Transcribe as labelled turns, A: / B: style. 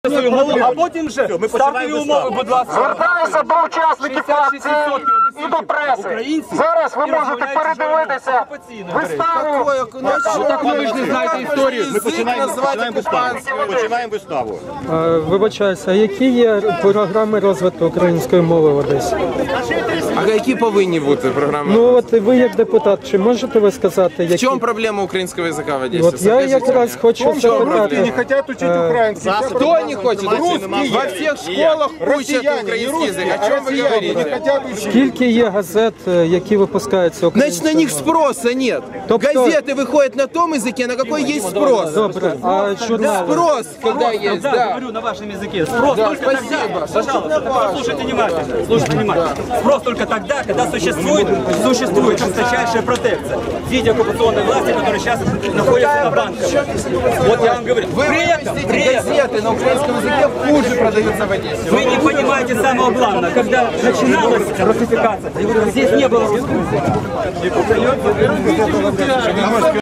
A: А потім вже ставте умови, будь ласка.
B: Звертаюся до учасників акції і до преси. Зараз ви можете передивитися виставу.
A: Так ви ж не знаєте історію.
C: Ми починаємо виставу.
D: Вибачаюся, а які є програми розвитку української мови в Одесі?
E: А які повинні бути програми?
D: Ну от ви як депутат, чи можете ви сказати,
E: В
D: які?
E: чому проблема українського язика в Одесі?
D: От я якраз хочу запитати.
B: Не хотят учить украинский.
E: Кто не хочет? Во всех школах учат украинский язык. О чем вы говорите?
D: Скільки є газет, які випускаються
E: Значит,
D: українською
E: на них
D: мовою?
E: спроса нет.
D: Тобто-
E: Газеты выходят на том языке, на какой есть спрос.
D: Добре, а журнали?
E: Спрос, когда есть,
A: Да,
E: да.
A: говорю на вашем языке. Спрос
E: Да,
A: только
E: спасибо.
A: тогда, пожалуйста, послушайте внимательно. Слушайте внимательно. Спрос только тогда, когда существует жесточайшая протекция в виде оккупационной власти, которая сейчас находится на банках. Вот я вам говорю. При этом
E: Газеты на украинском языке хуже продаются в Одессе.
A: вы не понимаете самого главного. Когда начиналась русификация, здесь не было русского языка.